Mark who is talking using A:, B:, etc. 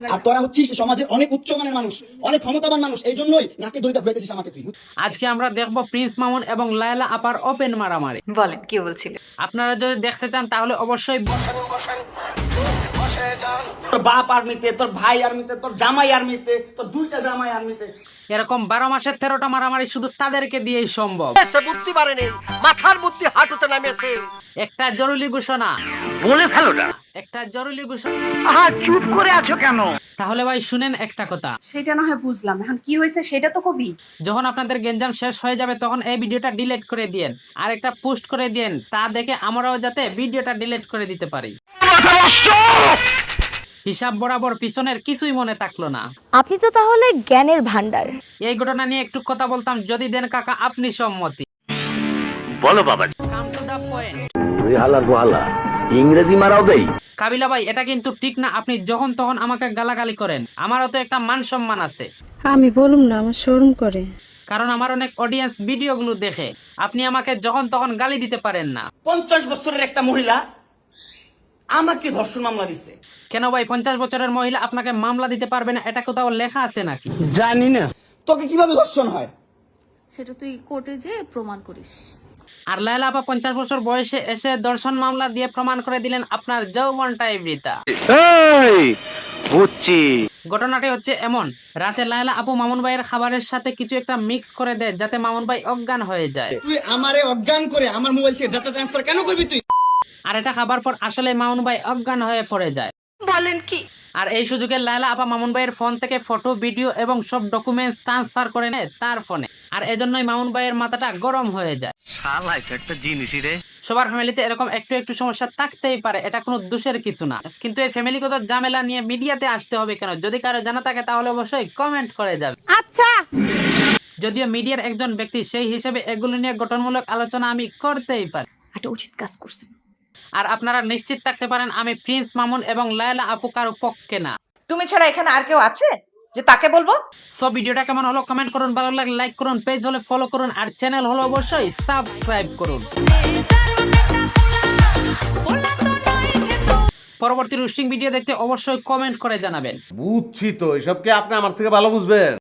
A: আর তোরা হচ্ছিস সমাজের অনেক উচ্চমানের মানুষ, অনেক ক্ষমতাবান মানুষ, এই জন্যই নাকি দড়িটা ঘুরাইতেছিস আমাকে তুই।
B: আজকে আমরা দেখব প্রিন্স মামুন এবং লায়লা আপার ওপেন মারামারি।
C: বলেন কি বলছিলেন?
B: আপনারা যদি দেখতে চান তাহলে অবশ্যই
A: তোর বাপ আর্মিতে, তোর ভাই আর্মিতে, তোর জামাই আর্মিতে, তোর দুইটা জামাই আর্মিতে।
B: এরকম 12 মাসের 13টা মারামারি শুধু তাদেরকে দিয়েই সম্ভব।
D: বুদ্ধি বাড়েনি, মাথার বুদ্ধি হাঁটুতে নামেছে।
B: একটা জরুরি ঘোষণা
D: বলে ফেলো না।
B: একটা জরুরি ঘোষণা।
D: আহা, চুপ করে আছো কেন?
B: তাহলে ভাই শুনেন একটা কথা,
E: সেটা না হয় বুঝলাম, এখন কি হয়েছে সেটা তো কবি।
B: যখন আপনাদের গেঞ্জাম শেষ হয়ে যাবে তখন এই ভিডিওটা ডিলিট করে দিয়েন আর একটা পোস্ট করে দিয়েন, তা দেখে আমরাও যাতে ভিডিওটা ডিলিট করে দিতে পারি। হিসাব বরাবর পিছনের কিছুই মনে থাকলো না।
F: আপনি তো তাহলে জ্ঞানের ভান্ডার।
B: এই ঘটনা নিয়ে একটু কথা বলতাম, যদি দেন কাকা আপনি সম্মতি।
D: বলো বাবা।
B: Come to the point.
D: তুই হালা গোহালা ইংরেজি মারাও দেই।
B: কাবিলা ভাই, এটা কিন্তু ঠিক না, আপনি যখন তখন আমাকে গালাগালি করেন। আমারও তো একটা মান সম্মান আছে।
G: আমি বলুম না, আমার শরম করে।
B: কারণ আমার অনেক অডিয়েন্স ভিডিওগুলো দেখে। আপনি আমাকে যখন তখন গালি দিতে পারেন না।
A: 50 বছরের একটা মহিলা আমাকে ধর্ষণ মামলা দিচ্ছে।
B: কেন ভাই, 50 বছরের মহিলা আপনাকে মামলা দিতে পারবে না? এটা কোথাও লেখা আছে নাকি?
D: জানি না।
A: তোকে কিভাবে ধর্ষণ হয়
H: সেটা তুই কোর্টে যে প্রমাণ করিস।
B: আর লায়লা আপা 50 বছর বয়সে এসে দর্শন মামলা দিয়ে প্রমাণ করে দিলেন আপনার যৌবনটাই বৃথা।
D: এই বুঝছি।
B: ঘটনাটি হচ্ছে এমন, রাতে লায়লা আপু মামুন ভাইয়ের খাবারের সাথে কিছু একটা মিক্স করে দেয় যাতে মামুন ভাই অজ্ঞান হয়ে যায়।
A: তুই আমারে অজ্ঞান করে আমার মোবাইল থেকে ডাটা ট্রান্সফার কেন করবি তুই?
B: আর এটা খাবার পর আসলে মামুন ভাই অজ্ঞান হয়ে পড়ে যায়।
C: বলেন কি?
B: আর এই সুযোগে লায়লা আপা মামুন ভাইয়ের ফোন থেকে ফটো, ভিডিও এবং সব ডকুমেন্টস ট্রান্সফার করে নেয় তার ফোনে। আর এজন্যই মামুন ভাইয়ের মাথাটা গরম হয়ে যায়।
D: শালা এটা একটা জিনিসই রে।
B: সবার ফ্যামিলিতে এরকম একটু একটু সমস্যা থাকতেই পারে, এটা কোনো দোষের কিছু না। কিন্তু এই ফ্যামিলিগত ঝামেলা নিয়ে মিডিয়াতে আসতে হবে কেন? যদি কারো জানা থাকে তাহলে অবশ্যই কমেন্ট করে যাবে।
F: আচ্ছা,
B: যদিও মিডিয়ার একজন ব্যক্তি, সেই হিসেবে এগুলো নিয়ে গঠনমূলক আলোচনা আমি করতেই পারি।
H: একটা উচিত কাজ করছেন।
B: আর আপনারা নিশ্চিত থাকতে পারেন আমি প্রিন্স মামুন এবং লায়লা আপু কারো পক্ষে না।
C: তুমি ছাড়া এখানে আর কেউ আছে যে তাকে বলবো?
B: সব ভিডিওটা কেমন হলো কমেন্ট করুন, ভালো লাগলে লাইক করুন, পেজ হলে ফলো করুন, আর চ্যানেল হলো অবশ্যই সাবস্ক্রাইব করুন। পরবর্তী রোস্টিং ভিডিও দেখতে অবশ্যই কমেন্ট করে জানাবেন।
I: বুঝছি তো, এসব কি আপনি আমার থেকে ভালো বুঝবেন?